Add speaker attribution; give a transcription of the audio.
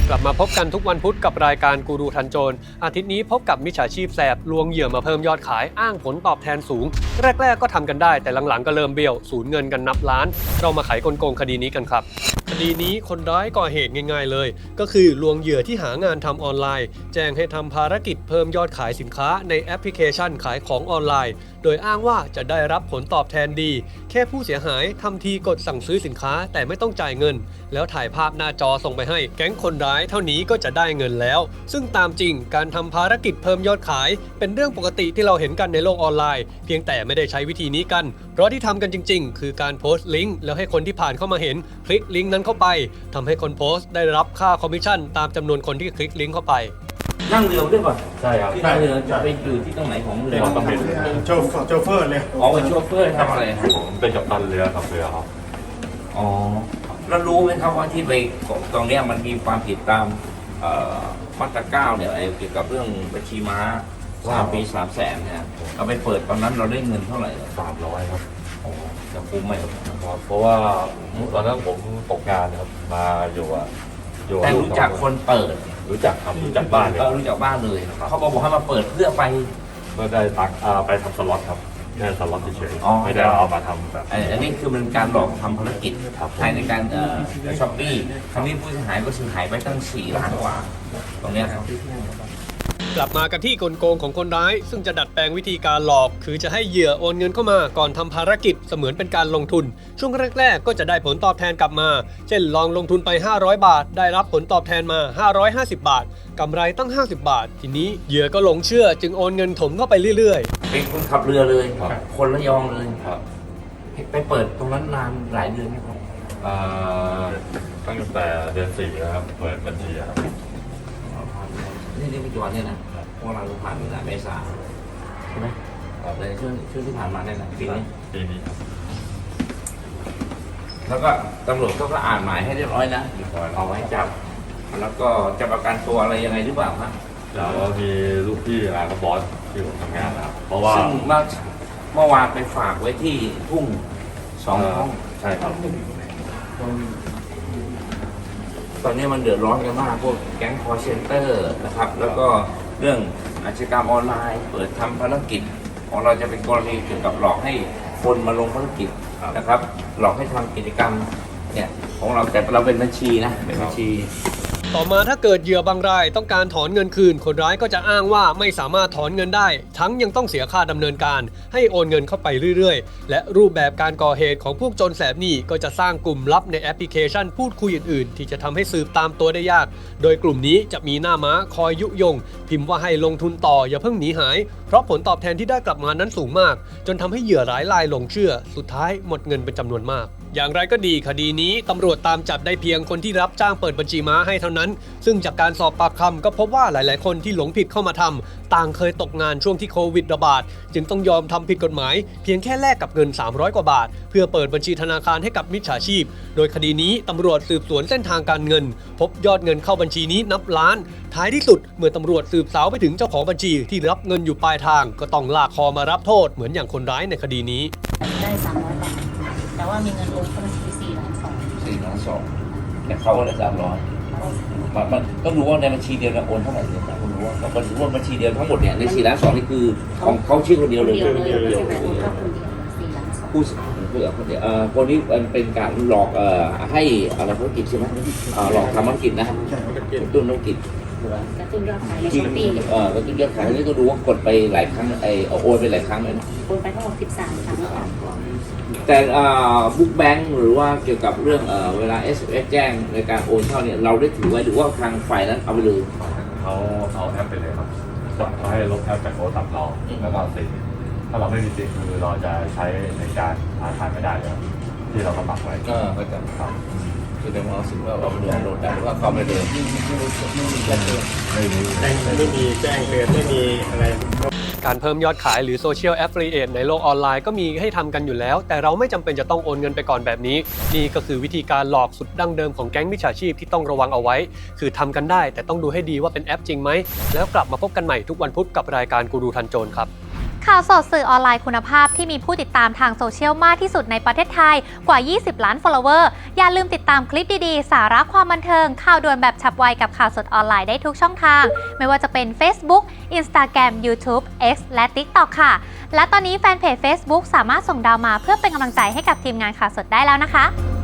Speaker 1: กลับมาพบกันทุกวันพุธกับรายการกูรูทันโจรอาทิตย์นี้พบกับมิจฉาชีพแสบลวงเหยื่อมาเพิ่มยอดขายอ้างผลตอบแทนสูงแรกๆก็ทำกันได้แต่หลังๆก็เริ่มเบี้ยวสูญเงินกันนับล้านเรามาไขกลโกงคดีนี้กันครับคดีนี้คนร้ายก่อเหตุง่ายๆเลยก็คือลวงเหยื่อที่หางานทำออนไลน์แจ้งให้ทำภารกิจเพิ่มยอดขายสินค้าในแอปพลิเคชันขายของออนไลน์โดยอ้างว่าจะได้รับผลตอบแทนดีแค่ผู้เสียหายทำทีกดสั่งซื้อสินค้าแต่ไม่ต้องจ่ายเงินแล้วถ่ายภาพหน้าจอส่งไปให้แก๊งคนร้ายเท่านี้ก็จะได้เงินแล้วซึ่งตามจริงการทำภารกิจเพิ่มยอดขายเป็นเรื่องปกติที่เราเห็นกันในโลกออนไลน์เพียงแต่ไม่ได้ใช้วิธีนี้กันเพราะที่ทำกันจริงๆคือการโพสต์ลิงก์แล้วให้คนที่ผ่านเข้ามาเห็นคลิกลิงก์นั้นเข้าไปทำให้คนโพสต์ได้รับค่าคอมมิชชั่นตามจำนวนคนที่คลิกลิงก์เข้าไป
Speaker 2: นั่งเรือด้วยป่ะ
Speaker 3: ใช่ครับ
Speaker 2: ที่นั่งเรือจะไปอยู่ที่ตรงไหนของเรือ
Speaker 3: ต้องเป็น
Speaker 4: โชเฟอร์เลย
Speaker 2: อ๋อเป็นโชเฟอร์ทำอะไรฮะ
Speaker 3: ผมเป็นกัปตันเรือขับเรือครับ
Speaker 2: อ๋อแล้วรู้ไหมครับว่าที่ไปตรงเนี้ยมันมีความผิดตามมาตราเก้าเนี่ยเกี่ยวกับเรื่องบัญชีม้า3 ปี 300,000เนี่ยเราไปเปิดตอนนั้นเราได้เงินเท่าไหร่
Speaker 3: 300 ครับ
Speaker 2: โอ้จะคุ้มไหมครับ
Speaker 3: ครับเพราะว่าตอนนั้นผมตกงานครับมาอยู่อยู่
Speaker 2: แต่รู้จักคนเปิด
Speaker 3: รู้จักครับรู้จักบ้านเลย
Speaker 2: รู้จักบ้านเลยเขาก็บอกให้มาเปิดเพื่อไป
Speaker 3: ก็ได้ตังค์ไปทำสล็อตครับแค่สล็อตเฉย
Speaker 2: อ๋อ
Speaker 3: ๆไม่ได้เอามาทำแบบ
Speaker 2: อันนี้คือมันการหลอกทำภารกิจ
Speaker 3: ครับ
Speaker 2: ภายในการช้อปปี้ครั้งนี้ผู้เสียหายก็สูญหายไปตั้ง4 ล้านกว่าตรงเนี้ยครับ
Speaker 1: กลับมากันที่กลโกงของคนร้ายซึ่งจะดัดแปลงวิธีการหลอกคือจะให้เหยื่อโอนเงินเข้ามาก่อนทำภารกิจเสมือนเป็นการลงทุนช่วงแรกๆก็จะได้ผลตอบแทนกลับมาเช่นลองลงทุนไป500 บาทได้รับผลตอบแทนมา550 บาทกำไรตั้ง50 บาททีนี้เหยื่อก็หลงเชื่อจึงโอนเงินถมเข้าไปเรื่อยๆ
Speaker 2: เป็นคนขับเรือเลย
Speaker 3: ครับ
Speaker 2: คนระยองเลย
Speaker 3: ครับ
Speaker 2: ไปเปิดตรงนั้นนานหลายเดือนไหมครับ
Speaker 3: ตั้งแต่เดือน4นะครับเปิดบัญชีครับ
Speaker 2: นี่ปัจจุบันเนี่ยนะพวกเราผ่านเมษาใช่ไหมในช่วงที่ผ่านมาเนี่ยนะปีนี้
Speaker 3: ปีนี้ครับ
Speaker 2: แล้วก็ตำรวจก็อ่านหมายให้เรียบร้อยนะเอาไว้จับ แล้วก็จะประกันตัวอะไรยังไงหรือเปล่าครับ
Speaker 3: แล้วมีลูกพี่กับบอสที่ผมทำงานนะครับเพราะว่า
Speaker 2: ซึ่งเมื่อวานไปฝากไว้ที่ทุ่ง2 ห้อง
Speaker 3: ใช่ครับ
Speaker 2: ตอนนี้มันเดือดร้อนกันมากพวกแก๊งคอร์เซนเตอร์นะครับ แล้วก็เรื่องอาชญากรรมออนไลน์ เปิดทำภารกิจของเราจะเป็นกรณีเกี่ยวกับหลอกให้คนมาลงภารกิจนะครับ หลอกให้ทำกิจกรรมเนี่ยของเราแต่เราเป็นบัญชีนะเป็นบัญชี
Speaker 1: ต่อมาถ้าเกิดเหยื่อบางรายต้องการถอนเงินคืนคนร้ายก็จะอ้างว่าไม่สามารถถอนเงินได้ทั้งยังต้องเสียค่าดำเนินการให้โอนเงินเข้าไปเรื่อยๆและรูปแบบการก่อเหตุของพวกโจรแสบนี่ก็จะสร้างกลุ่มลับในแอปพลิเคชันพูดคุยอื่นๆที่จะทำให้สืบตามตัวได้ยากโดยกลุ่มนี้จะมีหน้าม้าคอยยุยงพิมพ์ว่าให้ลงทุนต่ออย่าเพิ่งหนีหายเพราะผลตอบแทนที่ได้กลับมานั้นสูงมากจนทำให้เหยื่อหลายรายหลงเชื่อสุดท้ายหมดเงินเป็นจำนวนมากอย่างไรก็ดีคดีนี้ตำรวจตามจับได้เพียงคนที่รับจ้างเปิดบัญชีม้าให้เท่านั้นซึ่งจากการสอบปากคำก็พบว่าหลายๆคนที่หลงผิดเข้ามาทำต่างเคยตกงานช่วงที่โควิดระบาดจึงต้องยอมทำผิดกฎหมายเพียงแค่แลกกับเงิน300 กว่าบาทเพื่อเปิดบัญชีธนาคารให้กับมิจฉาชีพโดยคดีนี้ตำรวจสืบสวนเส้นทางการเงินพบยอดเงินเข้าบัญชีนี้นับล้านท้ายที่สุดเมื่อตำรวจสืบสาวไปถึงเจ้าของบัญชีที่รับเงินอยู่ปลายทางก็ต้องลากคอมารับโทษเหมือนอย่างคนร้ายในคดีนี้
Speaker 5: ได้300 บาท แต่ว่ามีเงินโอนเข้าบัญชี4 ล้าน 2
Speaker 2: 4 ล้าน 2แต่เขาก็ได้300มันต้องรู้ว่าในบัญชีเดียวเราโอนเท่าไหร่เนี่ยต้องรู้ว่าเราก็ถือว่าบัญชีเดียวทั้งหมดเนี่ยใน4 ล้าน 2นี่คือของเขาชื่อคนเดียวเลย
Speaker 5: เดียวเลยไม่ใช่แบบโอนเข้าคนเดียว4 ล้าน 2
Speaker 2: ผู้เพื่อคนเดียวคนนี้มันเป็นการหลอกให้อะไรธุรกิจใช่ไหมหลอกทำธุรกิจนะกระตุ้นธุรกิจ
Speaker 5: กระตุ้นยอดขายใน
Speaker 2: จริ
Speaker 5: ช้
Speaker 2: ง
Speaker 5: อปปี้
Speaker 2: กระตุ้นยอดขายนี่ก็ดูว่ากดไปหลายครั้งโอนไปหลายครั้งเลยนะ
Speaker 5: โอนไปทั้งหมด13 ครั้งค่ะ
Speaker 2: แต่บุ๊กแบงค์หรือว่าเกี่ยวกับเรื่องเวลา SMS แจ้งในการโอนเข้าเนี่ยเราได้ถือไว้หรือว่าทางฝ่ายนั้นเอาไปเลย
Speaker 3: เขาเอาแอปไปเลยครับเขาให้ลบแอปจากโทรศัพท์เราแล้วก็สิทธิ์ถ้าเราไม่มีสิทธิ์คือเราจะใช้ในการธนาคารไม่ได้เลยที่เราสมัครไว้
Speaker 2: ก็จะครับคือในมอสิว่าเราโหลดได้หรือว่าเข้าไปเลย
Speaker 3: ไม่มี
Speaker 4: ไม่มีแจ้งเตือนไม่มีอะไร
Speaker 1: การเพิ่มยอดขายหรือโซเชียลแอฟ i ิเอตในโลกออนไลน์ก็มีให้ทำกันอยู่แล้วแต่เราไม่จำเป็นจะต้องโอนเงินไปก่อนแบบนี้นี่ก็คือวิธีการหลอกสุดดั้งเดิมของแก๊งมิจฉาชีพที่ต้องระวังเอาไว้คือทำกันได้แต่ต้องดูให้ดีว่าเป็นแอปจริงไหมแล้วกลับมาพบกันใหม่ทุกวันพุธกับรายการกูรูทันโจรครับ
Speaker 6: ข่าวสดสื่อออนไลน์คุณภาพที่มีผู้ติดตามทางโซเชียลมากที่สุดในประเทศไทยกว่า 20 ล้าน follower อย่าลืมติดตามคลิปดีๆ สาระความบันเทิง ข่าวด่วนแบบฉับไวกับข่าวสดออนไลน์ได้ทุกช่องทาง ไม่ว่าจะเป็น Facebook Instagram YouTube X และ TikTok ค่ะ และตอนนี้แฟนเพจ Facebook สามารถส่งดาวมาเพื่อเป็นกำลังใจให้กับทีมงานข่าวสดได้แล้วนะคะ